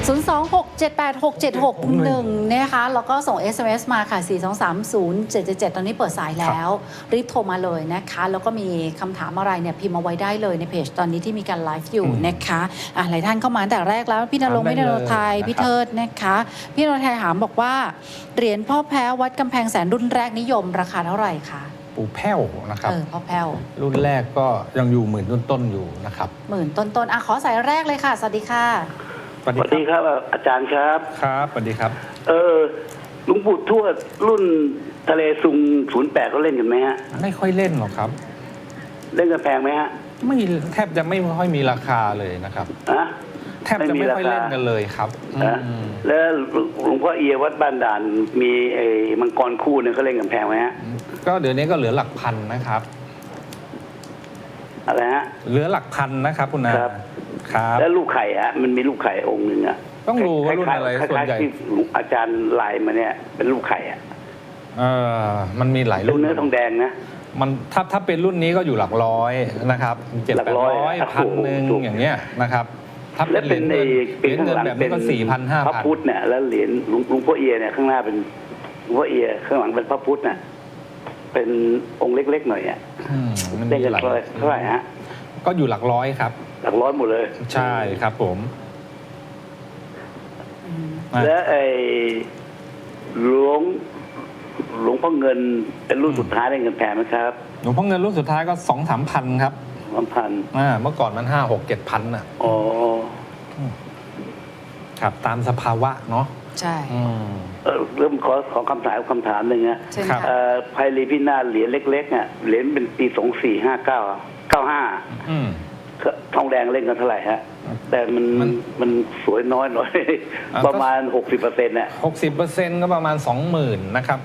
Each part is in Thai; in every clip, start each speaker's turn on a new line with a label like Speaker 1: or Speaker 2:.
Speaker 1: 026786761นะคะแล้วก็ส่ง SMS มาค่ะ4230777ตอนนี้เปิดสายแล้วรีบโทรมาเลยนะคะแล้วก็มีคำถามอะไรเนี่ยพิมพ์เอาไว้ได้เลยในเพจตอนนี้ที่มีการไลฟ์อยู่นะคะหลายท่านเข้ามาตั้งแต่แรกแล้วพี่ณรงค์พี่ณรงค์ไทยพี่เทิดนะคะพี่ณรงค์ไทยถามบอกว่าเหรียญพ่อแพ้วัดกำแพงแสนรุ่นแรกนิยมราคาเท่าไหร่คะ
Speaker 2: ปู่แพ้วนะครับ
Speaker 1: พ่อแพ้ว
Speaker 2: รุ่นแรกก็ยังอยู่หมื่นต้นๆอยู่นะครับ
Speaker 1: หมื่นต้นๆขอสายแรกเลยค่ะสวัสดีค่ะ
Speaker 3: สวัสดีครับอาจารย์ครับ
Speaker 2: ครับสวัสดีครับ
Speaker 3: หลวงปู่ทวดรุ่นทะเลซุง08เขาเล่นกันไหมฮะ
Speaker 2: ไม่ค่อยเล่นหรอกครับ
Speaker 3: เล่นกันแพงไหมฮะ
Speaker 2: ไม่แทบจะไม่ค่อยมีราคาเลยนะครับแทบจะไม่ค่อยเล่นกันเลยครับ
Speaker 3: แล้วหลวงพ่อเอียวัดบ้านด่านมีไอ้มังกรคู่เนี่ยเขาเล่นกันแพงไหมฮะ
Speaker 2: ก็เดี๋ยวนี้ก็เหลือหลักพันนะครับ
Speaker 3: อะไรฮะ
Speaker 2: เหลือหลักพันนะครับคุณนา
Speaker 3: ครับแล้วลูกไข่มันมีลูกไข่องค์หนึ่ง
Speaker 2: ต้องรู้ว่ารุ่นอะไรส่วนใหญ่
Speaker 3: ที่อาจารย์ไลน์มาเนี่ยเป็นลูกไข่
Speaker 2: มันมีหลายรุ่น
Speaker 3: เนื้อทองแดงนะ
Speaker 2: มันถ้าเป็นรุ่นนี้ก็อยู่หลักร้อยนะครับ700-800 1,000อย่างเงี้ยนะครับ
Speaker 3: ถ้าเป็นเหรียญเงินแบบนี้ก็4,000-5,000พระพุทธเนี่ยแล้วเหรียญหลวงพ่อเอียเนี่ยข้างหน้าเป็นหลวงพ่อเอียข้างหลังเป็นพระพุทธน่ะเป็นองค์เล็กๆหน่อย
Speaker 2: มัน
Speaker 3: ได้กันเท่าไหร่ฮะ
Speaker 2: ก็อยู่หลักร้อยครับ
Speaker 3: หลักร้อยหมดเลย
Speaker 2: ใช่ครับผม
Speaker 3: แล้วหลวงพ่อเงินเป็นรุ่นสุดท้ายได้เงินแพงไหมครับ
Speaker 2: หลวงพ่อเงินรุ่นสุดท้ายก็ 2-3 พันครับ
Speaker 3: 3,000
Speaker 2: เมื่อก่อนมัน5-6-7 พันน่ะครับตามสภาวะเนาะ
Speaker 1: ใช่
Speaker 3: เริ่มขอคำถามหนึ่งนะไพลีพินาศเหรียญเล็กๆเหรียญเป็นปี245995ทองแดงเล่นกันเท่าไหร่ฮะแต่มันสวยน้อยหน่อยประมาณ 60%น่ะ
Speaker 2: 60%ก็ประมาณ 20,000 นะครับ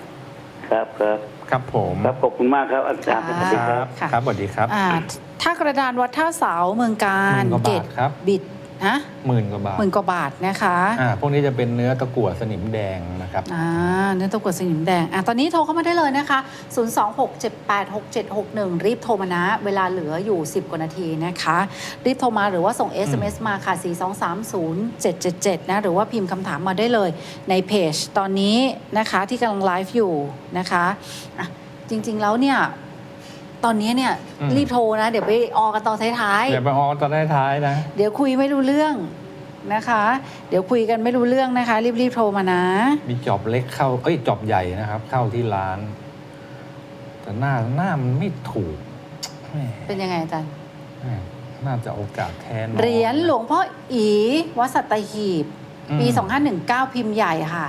Speaker 3: ครับ
Speaker 2: ผม
Speaker 3: ครับขอบคุณมากครับอาจารย์สวัสดีครับ
Speaker 2: ครับสวัสดีครับ
Speaker 1: ถ้ากระดานวัดท่าเสาเมืองการ
Speaker 2: เกต
Speaker 1: บิด
Speaker 2: 10,000 กว่าบาท
Speaker 1: นะคะ
Speaker 2: พวกนี้จะเป็นเนื้อตะกั่วสนิมแดงนะครับ
Speaker 1: เนื้อตะกั่วสนิมแดงตอนนี้โทรเข้ามาได้เลยนะคะ026786761รีบโทรมานะเวลาเหลืออยู่10 กว่านาทีนะคะรีบโทรมาหรือว่าส่ง SMS มาค่ะ4230777นะหรือว่าพิมพ์คำถามมาได้เลยในเพจตอนนี้นะคะที่กำลังไลฟ์อยู่นะคะจริงๆแล้วเนี่ยตอนนี้เนี่ยรีบโทรนะเดี๋ยวไปออกันตอนท้าย
Speaker 2: ๆเดี๋ยวไปออตอนท้ายๆนะ
Speaker 1: เดี๋ยวคุยไม่รู้เรื่องนะคะเดี๋ยวคุยกันไม่รู้เรื่องนะคะรีบโทรมานะ
Speaker 2: มีจอบเล็กเข้าจอบใหญ่นะครับเข้าที่ร้านแต่หน้ามันไม่ถูก
Speaker 1: เป็นยังไงอาจารย์
Speaker 2: น่าจะโอกาสแทน
Speaker 1: เหรียญหลวงพ่ออีวัดสัตหีบปี2519พิมพ์ใหญ่ค่ะ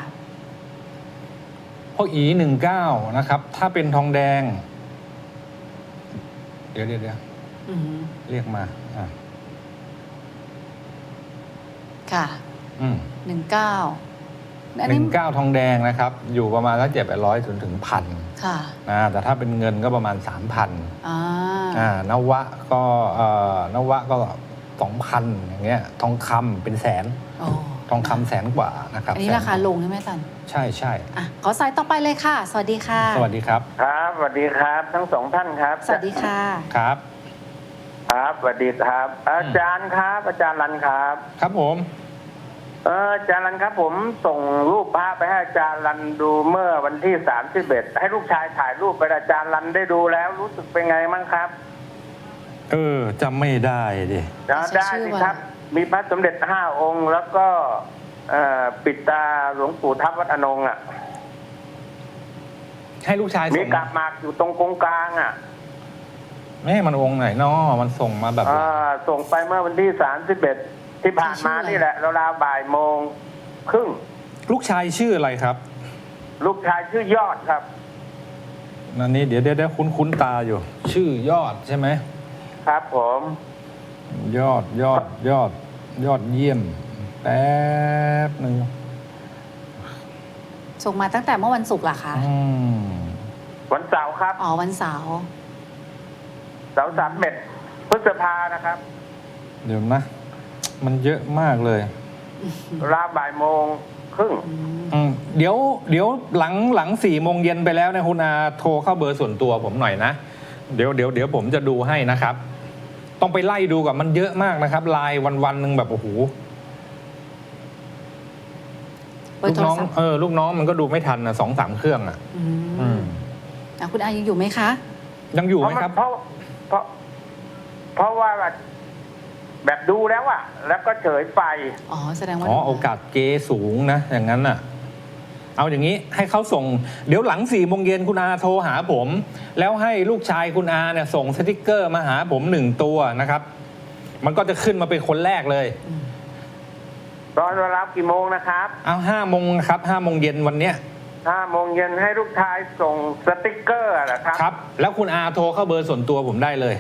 Speaker 2: พ่ออี19นะครับถ้าเป็นทองแดงเดี๋ยวเรียกมา
Speaker 1: ค่ะ
Speaker 2: 19ทองแดงนะครับอยู่ประมาณสัก700ถึง 1,000
Speaker 1: ค่ะ
Speaker 2: แต่ถ้าเป็นเงินก็ประมาณ 3,000นวะก็2,000อย่างเงี้ยทองคำเป็นแสนทองคำ100,000 กว่านะครับ
Speaker 1: อันนี้ราคาลงใช่ไหมอาจารย์
Speaker 2: ใช่
Speaker 1: ขอสายต่อไปเลยค่ะสวัสดีค่ะ
Speaker 2: สวัสดีครับ
Speaker 4: ครับสวัสดีครับทั้งสองท่านครับ
Speaker 1: สวัสดีค่ะ
Speaker 2: ครับ
Speaker 4: สวัสดีครับอาจารย์ครับอาจารย์รันครับ
Speaker 2: ครับผม
Speaker 4: อาจารย์รันครับผมส่งรูปพระไปให้อาจารย์รันดูเมื่อวันที่31ให้ลูกชายถ่ายรูปไปอาจารย์รันได้ดูแล้วรู้สึกเป็นไงมั่งครับ
Speaker 2: จำไม่ได้ดิ
Speaker 4: ได้สิครับมีพระสมเด็จ5 องค์แล้วก็ปิดตาหลวงปู่ทับวัดอนง
Speaker 2: ให้ลูกชาย
Speaker 4: มีกาบหมากอยู่ตรงกงกลาง
Speaker 2: ไม่มันองค์ไหนเนาะมันส่งมาแบบ
Speaker 4: ส่งไปเมื่อวันที่31ที่ผ่านมานี่แหละราวๆ12:30
Speaker 2: ลูกชายชื่ออะไรครับ
Speaker 4: ลูกชายชื่อยอดครับ
Speaker 2: นั่นนี่เดี๋ยวคุ้นตาอยู่ชื่อยอดใช่ไหม
Speaker 4: ครับผม
Speaker 2: ยอดเยี่ยมแป๊บหนึ่ง
Speaker 1: ส่งมาตั้งแต่เมื่อวันศุกร์เหรอคะ
Speaker 4: วันเสาร์ครับ
Speaker 1: วันเสาร์
Speaker 4: 31 พฤษภานะครับ
Speaker 2: เดี๋ยวนะมันเยอะมากเลย
Speaker 4: ราว12:30
Speaker 2: เดี๋ยวหลัง4 โมงเย็นไปแล้วนะคุณอาโทรเข้าเบอร์ส่วนตัวผมหน่อยนะเดี๋ยวผมจะดูให้นะครับต้องไปไล่ดูกับมันเยอะมากนะครับไลน์วันหนึ่งแบบโอ้โห
Speaker 1: เบอร์โทรศัพท์
Speaker 2: ลูกน้องมันก็ดูไม่ทันนะ2-3 เครื่องอ่ะ
Speaker 1: อืมคุณอายังอยู่ไหมคะ
Speaker 2: ยังอยู่ไหมครับ
Speaker 4: เพราะว่าแบบดูแล้วอะแล้วก็เฉยไป
Speaker 1: อ๋อแสดงว่า
Speaker 2: โอกาสเกสูงนะอย่างนั้นน่ะเอาอย่างนี้ให้เขาส่งเดี๋ยวหลัง4 โมงเย็นคุณอาโทรหาผม แล้วให้ลูกชายคุณอาเนี่ยส่งสติกเกอร์มาหาผม1 ตัวนะครับ มันก็จะขึ้นมาเป็นคนแรกเลย
Speaker 4: ตอนเวลากี่โมงนะครับ
Speaker 2: เอา5 โมงครับ5 โมงเย็นวันเนี้ย
Speaker 4: 5 โมงเย็นให้ลูกชายส่งสติกเกอร์เหรอครับ
Speaker 2: ครับ แล้วคุณอาโทรเข้าเบอร์ส่วนตัวผมได้เลย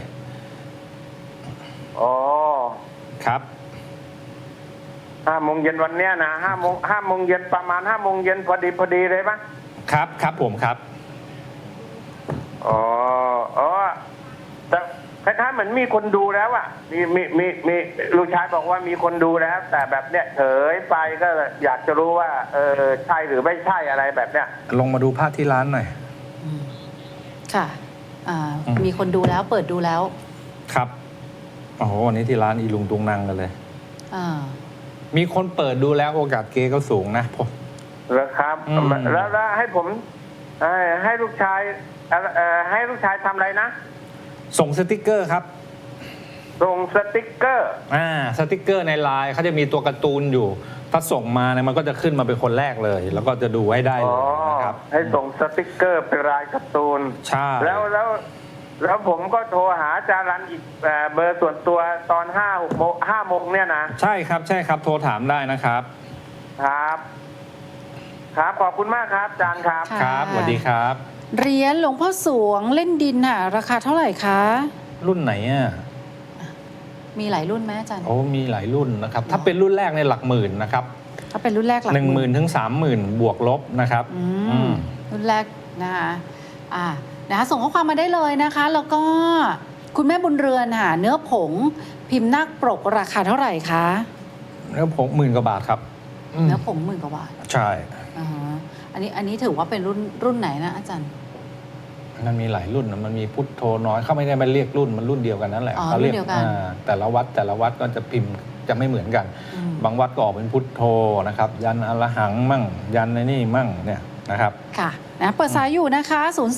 Speaker 4: อ๋อ
Speaker 2: ครับ
Speaker 4: 5 โมงเย็นวันเนี้ยนะ5 โมงเย็นประมาณ5 โมงเย็นพอดีเลยปะ
Speaker 2: ครับผมครับ
Speaker 4: อ๋อแต่คล้ายๆเหมือนมีคนดูแล้วอ่ะมีลูกชายบอกว่ามีคนดูแล้ว แต่แบบเนี้ยเฉยไปก็อยากจะรู้ว่าใช่หรือไม่ใช่อะไรแบบเนี้ย
Speaker 2: ลงมาดูภาพที่ร้านหน่อย
Speaker 1: ค่ะมีคนดูแล้วเปิดดูแล้ว
Speaker 2: ครับโอ้โหวันนี้ที่ร้านอีลุงตุงนังกันเลย มีคนเปิดดูแล้วโอกาสเกก็สูงนะผม
Speaker 4: แล้วครับแล้วให้ผมให้ลูกชายทำอะไรนะ
Speaker 2: ส่งสติกเกอร์ครับ
Speaker 4: ส่งสติกเกอร์
Speaker 2: สติกเกอร์ในไลน์เขาจะมีตัวการ์ตูนอยู่ ถ้าส่งมาเนี่ยมันก็จะขึ้นมาเป็นคนแรกเลย แล้วก็จะดูให้ได้เลยนะครับ
Speaker 4: ให้ส่งสติกเกอร์เป็นลายการ์ตูน
Speaker 2: ใช่
Speaker 4: แล้วผมก็โทรหาอาจารย์รันอีกเบอร์ส่วนตัวตอน5 โมงเนี่ยนะ
Speaker 2: ใช่ครับโทรถามได้นะครับ
Speaker 4: ครับขอบคุณมากครับอาจารย์ครับ
Speaker 1: ค่ะ
Speaker 2: ครับสวัสดีครับ
Speaker 1: เหรียญหลวงพ่อสวงเล่นดินค่ะราคาเท่าไหร่คะ
Speaker 2: รุ่นไหนอ่ะ
Speaker 1: มีหลายรุ่นไหมอาจารย์
Speaker 2: โอ้มีหลายรุ่นนะครับ ถ้าเป็นรุ่นแรกในหลักหมื่นนะครับ
Speaker 1: ถ้าเป็นรุ่นแรกหลัก
Speaker 2: 10,000 ถึง 30,000 บวกลบนะครับ
Speaker 1: รุ่นแรกนะคะนะคะส่งข้อความมาได้เลยนะคะ แล้วก็คุณแม่บุญเรือนค่ะเนื้อผงพิมพ์นาคปรกราคาเท่าไหร่คะ
Speaker 2: เนื้อผง10,000 กว่าบาทครับ
Speaker 1: เนื้อผง10,000 กว่าบาท
Speaker 2: ใช่
Speaker 1: อันนี้ถือว่าเป็นรุ่นไหนนะอาจารย์
Speaker 2: มันมีหลายรุ่นนะมันมีพุทโธน้อยเขาไม่ได้มาเรียกรุ่นมันรุ่นเดียวกันนั่นแหละ
Speaker 1: อ๋อ
Speaker 2: เขาเรียก
Speaker 1: รุ่นเดียวกัน
Speaker 2: แต่ละวัดก็จะพิมพ์จะไม่เหมือนกัน บางวัดก็ออกเป็นพุทโธนะครับ ยันอรหังมั่ง ยันในนี่มั่งเนี่ยนะครับ
Speaker 1: ค่ะนะเปิดสายอยู่นะคะ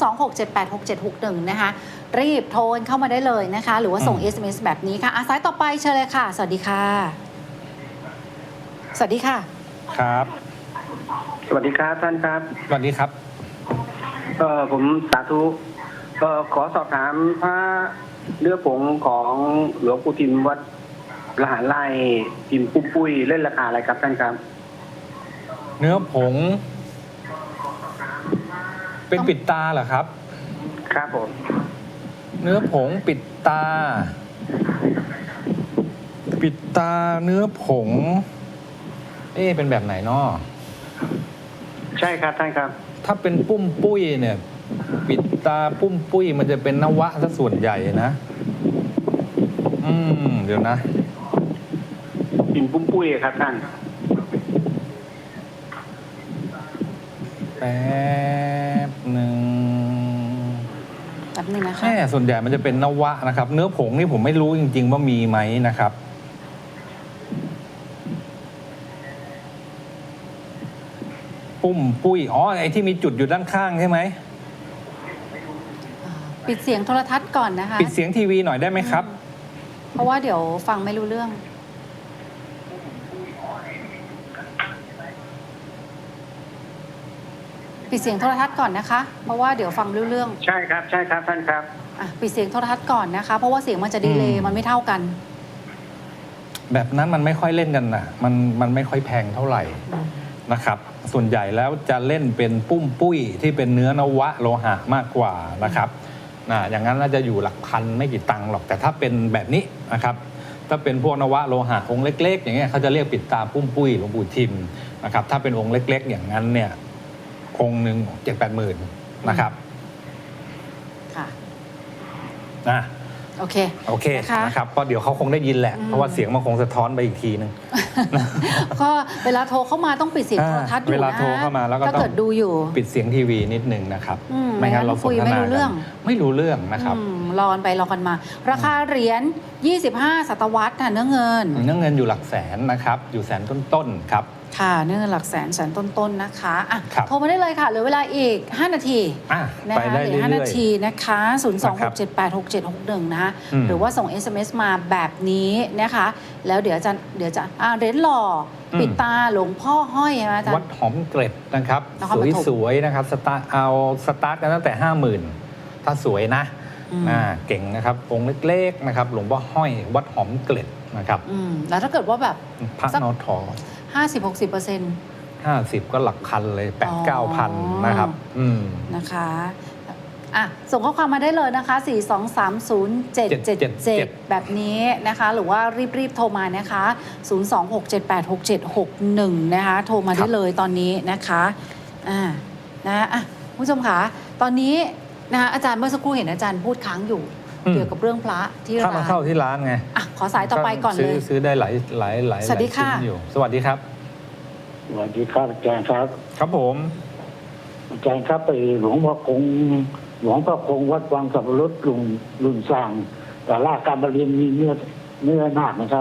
Speaker 1: 026786761 นะคะรีบโทรเข้ามาได้เลยนะคะ หรือว่าส่ง SMS แบบนี้ค่ะสายต่อไปเชิญเลยค่ะ สวัสดีค่ะ สวัสดีค่ะ
Speaker 2: ครับ
Speaker 5: สวัสดีครับท่านครับ
Speaker 2: สวัสดีครับ
Speaker 5: ผมสาธุขอสอบถามพระเนื้อผงของหลวงปู่ทิมวัดละหารไร่พิมพ์ปุ้ยเล่นราคาอะไรครับท่านครับ
Speaker 2: เนื้อผง เป็นปิดตาเหรอครับ
Speaker 5: ครับผม
Speaker 2: เนื้อผงปิดตา เนื้อผงเป็นแบบไหนนาะ
Speaker 5: ใช่ครับท่านครับ
Speaker 2: ถ้าเป็นปุ้มปุ้ยเนี่ย ปิดตาปุ้มปุ้ยมันจะเป็นนวะซะส่วนใหญ่นะเดี๋ยวนะ
Speaker 5: พิมพ์ปุ้ยครับท่าน
Speaker 2: แป๊บหนึ่ง
Speaker 1: นะคะ
Speaker 2: ส่วนใหญ่มันจะเป็นนวะนะครับ เนื้อผงนี่ผมไม่รู้จริงๆว่ามีไหมนะครับ ปุ้มปุ้ยไอ้ที่มีจุดอยู่ด้านข้างใช่ไหม
Speaker 1: ปิดเสียงโทรทัศน์ก่อนนะคะ
Speaker 2: ปิดเสียงทีวีหน่อยได้ไหมครับ
Speaker 1: เพราะว่าเดี๋ยวฟังไม่รู้เรื่อง ปิดเสียงโทรทัศน์ก่อนนะคะ เพราะว่าเดี๋ยวฟังไม่รู้เรื่อง
Speaker 5: ใช่ครับท่านครับ
Speaker 1: ปิดเสียงโทรทัศน์ก่อนนะคะ เพราะว่าเสียงมันจะดีเลย์มันไม่เท่ากัน
Speaker 2: แบบนั้นมันไม่ค่อยเล่นกันนะมันไม่ค่อยแพงเท่าไหร่นะครับ ส่วนใหญ่แล้วจะเล่นเป็นปุ้มปุ้ยที่เป็นเนื้อนวะโลหะมากกว่านะครับอย่างนั้นน่าจะอยู่หลักพันไม่กี่ตังค์หรอกแต่ถ้าเป็นแบบนี้นะครับถ้าเป็นพวกนวะโลหะองค์เล็กๆอย่างเงี้ยเขาจะเรียกปิดตาปุ้มปุ้ยหลวงปู่ทิมนะครับถ้าเป็นองค์เล็กๆอย่างนั้นเนี่ยองค์หนึ่ง7-8 หมื่นนะครับ
Speaker 1: ค่ะโอเค
Speaker 2: นะครับก็เดี๋ยวเขาคงได้ยินแหละเพราะว่าเสียงมันคงสะท้อนไปอีกทีนึง
Speaker 1: ก็เวลาโทรเข้ามาต้องปิดเสียงโทรทัศน์อยู่นะ
Speaker 2: เวลาโทรเข้ามาแล้วก็
Speaker 1: ถ้าเกิดดูอยู่
Speaker 2: ปิดเสียงทีวีนิดนึงนะครับไม่งั้นเราสนทนา
Speaker 1: ไม่รู้เรื่อง
Speaker 2: ไม่รู้เรื่องนะครับ
Speaker 1: รอกันไปรอกันมา ราคาเหรียญ25 ศตวรรษค่ะเนื้อเงิน
Speaker 2: อยู่หลักแสนนะครับอยู่แสนต้นๆครับ
Speaker 1: ค่ะเนื่องหลักแสนต้นๆนะคะอ่ะ
Speaker 2: ครับ
Speaker 1: โทรมาได้เลยค่ะเหลือเวลาอีก 5 นาที นะ
Speaker 2: ไป
Speaker 1: คะ
Speaker 2: ได้
Speaker 1: เหลื
Speaker 2: เรื่
Speaker 1: อ 5 นา
Speaker 2: อย
Speaker 1: ทีนะคะ 026786761 นะคะ
Speaker 2: อืม
Speaker 1: หรือว่าส่ง SMS มาแบบนี้นะคะ แล้วเดี๋ยวจะเหรียญหล่ออ
Speaker 2: ม
Speaker 1: ปิดตาหลวงพ่อห้อยใช่ไหมอาจาร
Speaker 2: วัด
Speaker 1: ย์
Speaker 2: หอมเกร็ดนะครับ
Speaker 1: นครปฐม
Speaker 2: สวยๆนะครับสตาร์ทกันตั้งแต่ 50,000 ถ้าสวยนะ
Speaker 1: อืม
Speaker 2: เก่งนะครับองค์เล็กๆนะครับหลวงพ่อห้อยวัดหอมเกร็ดนะครับ
Speaker 1: แล้วถ้าเกิดว่าแบบ
Speaker 2: พระ
Speaker 1: สัก
Speaker 2: นอทอ
Speaker 1: 50-60%
Speaker 2: 50 ก็หลักพันเลย
Speaker 1: อ๋อ
Speaker 2: 8-9 พันนะครับ
Speaker 1: นะคะอ่ะส่งข้อความมาได้เลยนะคะ 4230777 แบบนี้นะคะ หรือว่ารีบโทรมานะคะ 026786761 นะคะ โทรมาได้เลยตอนนี้นะคะคุณผู้ชมคะตอนนี้นะคะอาจารย์เมื่อสักครู่เห็นอาจารย์พูดค้างอยู่
Speaker 2: อืม
Speaker 1: เกี่ยวกับเรื่องพระที่
Speaker 2: ถ้า
Speaker 1: ร้า
Speaker 2: มาน เข้าที่ร้านไง
Speaker 1: อ่ะขอสายต่อไปก่อนเลย
Speaker 2: ซื้อได้หลาย
Speaker 1: สวัสดีค่ะ
Speaker 2: ชิ้นอยู่ สวัสดีครับ
Speaker 6: สวัสดีครับอาจารย์ครับ
Speaker 2: ครับผม
Speaker 6: อาจารย์ครับไปหลวงพ่อคงวัดวังสับปะรดลุงสร้างแต่ล่าการมาเรียนมีเนื้อนาคนะครับ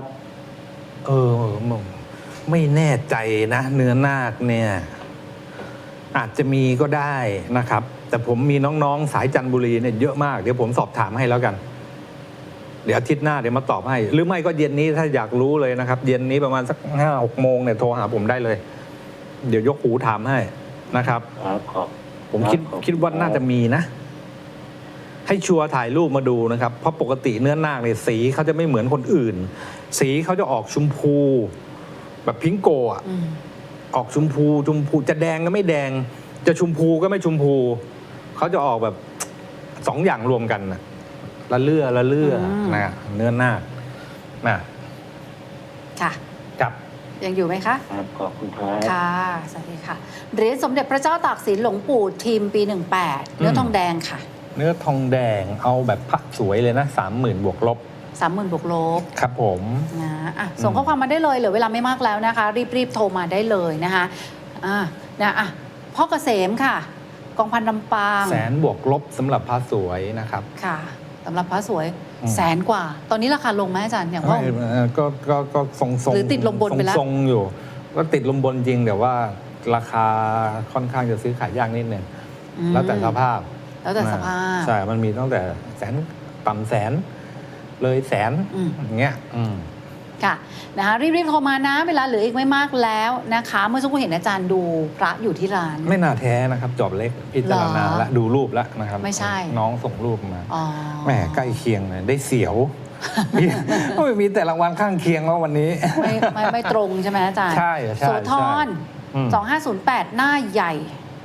Speaker 2: ไม่แน่ใจนะ เนื้อนาคเนี่ย อาจจะมีก็ได้นะครับ แต่ผมมีน้องๆสายจันทบุรีเนี่ยเยอะมาก เดี๋ยวผมสอบถามให้แล้วกัน เดี๋ยวอาทิตย์หน้าเดี๋ยวมาตอบให้ หรือไม่ก็เย็นนี้ถ้าอยากรู้เลยนะครับ เย็นนี้ประมาณสัก5-6 โมงเนี่ยโทรหาผมได้เลย เดี๋ยวยกหูถามให้นะครับ
Speaker 6: ครับขอบ
Speaker 2: ผมคิดว่าน่าจะมีนะ ให้ชัวร์ถ่ายรูปมาดูนะครับ เพราะปกติเนื้อนาคเนี่ยสีเขาจะไม่เหมือนคนอื่น สีเขาจะออกชมพู แบบพิงโกะออกชมพูจะแดงก็ไม่แดง จะชมพูก็ไม่ชมพูเขาจะออกแบบ2 อย่างรวมกันนะละเลื่อนะเนื้อนาคนะ
Speaker 1: ค่ะ
Speaker 2: ครับ
Speaker 1: ยังอยู่ไหมคะ
Speaker 6: ครับขอบคุณครับ
Speaker 1: ค่ะ สวัสดีค่ะเหรียญสมเด็จพระเจ้าตากสินหลวงปู่ทิมปี 18 เนื้อทองแดงค่ะ
Speaker 2: เนื้อทองแดงเอาแบบพระสวยเลยนะ 30,000 บวกลบ
Speaker 1: 30,000 บวกลบ
Speaker 2: ครับผม
Speaker 1: นะส่งข้อความมาได้เลยเหลือเวลาไม่มากแล้วนะคะ รีบโทรมาได้เลยนะคะพ่อเกษมค่ะ กองพันลำปาง
Speaker 2: 100,000 บวกลบสำหรับพระสวยนะครับ
Speaker 1: ค่ะสำหรับพระสวย
Speaker 2: อืม
Speaker 1: 100,000 กว่า ตอนนี้ราคาลงไหมอาจารย์อย่างว่า
Speaker 2: ก็ทรงๆ
Speaker 1: หรือติดลมบนไปแล้ว
Speaker 2: ทรงๆอยู่ก็ติดลมบนจริงแต่ว่าราคาค่อนข้างจะซื้อขายยากนิดนึงแล้วแต่สภาพ
Speaker 1: แล้วแต่สภาพ
Speaker 2: ใช่ มันมีตั้งแต่แสนต่ำแสน เลยแสน อย่างเงี้ย
Speaker 1: ค่ะนะคะรีบโทรมานะเวลาเหลืออีกไม่มากแล้วนะคะ เมื่อสักครู่เห็นอาจารย์ดูพระอยู่ที่ร้าน
Speaker 2: ไม่น่าแท้นะครับ จอบเล็กพิจารณา
Speaker 1: เหรอ
Speaker 2: และดูรูปแล้วนะครับ
Speaker 1: ไม่ใช่
Speaker 2: น้องส่งรูปมา
Speaker 1: อ๋อ
Speaker 2: แหมใกล้เคียงเลยได้เสียว มีแต่รางวัลข้างเคียงว่าวันนี้
Speaker 1: ไม่ตรงใช่ไหมอาจารย์
Speaker 2: ใช่ใช่
Speaker 1: โสธร
Speaker 2: อืม
Speaker 1: 2508 หน้าใหญ่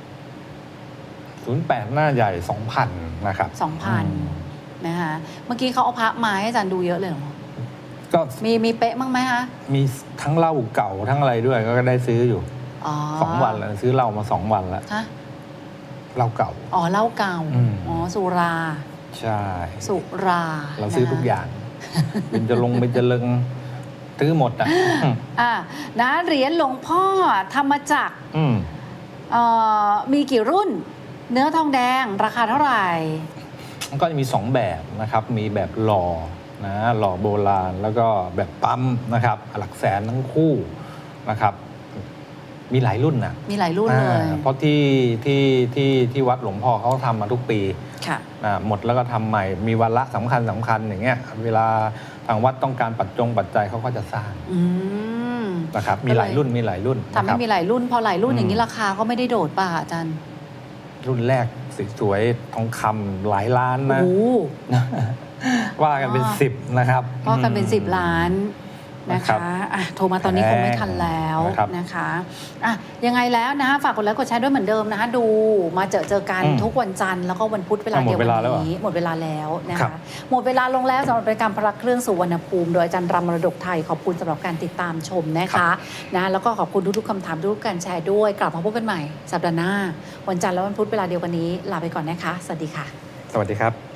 Speaker 2: 08 หน้าใหญ่ 2,000 นะครับ
Speaker 1: 2,000 นะคะเมื่อกี้เขาเอาพระมาให้อาจารย์ดูเยอะเลยเหรอ
Speaker 2: ก็
Speaker 1: มีเป๊ะมั้งไหมคะ
Speaker 2: มีทั้งเหล้าเก่าทั้งอะไรด้วยก็ได้ซื้ออยู่
Speaker 1: อ๋อ
Speaker 2: 2 วันแล้วซื้อเหล้ามา 2 วันแล้ว
Speaker 1: ฮะ
Speaker 2: เหล้าเก่า
Speaker 1: อ๋อเหล้าเก่า
Speaker 2: อืม
Speaker 1: อ๋อสุรา
Speaker 2: ใช่
Speaker 1: สุรา
Speaker 2: เราซื้อทุกอย่างเป็นจะลงเป็นจะเลิงซื้อหมดอ่ะ
Speaker 1: นะเหรียญหลวงพ่อธรรมจักร
Speaker 2: อืม
Speaker 1: มีกี่รุ่น เนื้อทองแดงราคาเท่าไหร่
Speaker 2: มันก็จะมี 2 แบบนะครับ มีแบบหล่อนะหล่อโบราณแล้วก็แบบปั๊มนะครับหลักแสนทั้งคู่นะครับ มีหลายรุ่นนะ
Speaker 1: มีหลายรุ่นเลย
Speaker 2: เพราะที่วัดหลวงพ่อเขาทำมาทุกปี
Speaker 1: ค่ะ
Speaker 2: หมดแล้วก็ทำใหม่มีวาระสำคัญอย่างเงี้ยเวลาทางวัดต้องการปัจจัยเขาก็จะสร้าง
Speaker 1: อืม
Speaker 2: นะครับมีหลายรุ่น
Speaker 1: ทำให้
Speaker 2: นะครับ
Speaker 1: มีหลายรุ่น พอหลายรุ่น
Speaker 2: อืม
Speaker 1: อย่างนี้ราคาก็ไม่ได้โดดป่ะอาจารย์
Speaker 2: รุ่นแรกสวยๆทองคำหลายล้าน
Speaker 1: โอ้
Speaker 2: นะ
Speaker 1: โห
Speaker 2: ว่ากันเป็น 10 นะครับ
Speaker 1: ก็กันเป็น10 ล้านนะ
Speaker 2: ครั
Speaker 1: คะ
Speaker 2: บ
Speaker 1: โทรมาตอนนี้คงไม่ทันแล้ว
Speaker 2: นะครับ
Speaker 1: นะคะยังไงแล้วนะคะฝากกดไลค์กดแชร์ด้วยเหมือนเดิมนะคะดูมาเจอกันทุกวันจันทร์แล้วก็วันพุธเวลาเดียวกันนี้หมดเวลาแล้วนะคะหมดเวลาลงแล้วสำหรับรายการพระเครื่องสุวรรณภูมิโดยอาจารย์รำมรดกไทยขอบคุณสำหรับการติดตามชมนะคะแล้วก็ขอบคุณทุกๆคำถามทุกๆการแชร์ด้วยกลับมาพบกันใหม่สัปดาห์หน้าวันจันทร์และวันพุธเวลาเดียวกันนี้ลาไปก่อนนะคะสวัสดีค่ะ
Speaker 2: สวัสดีครับ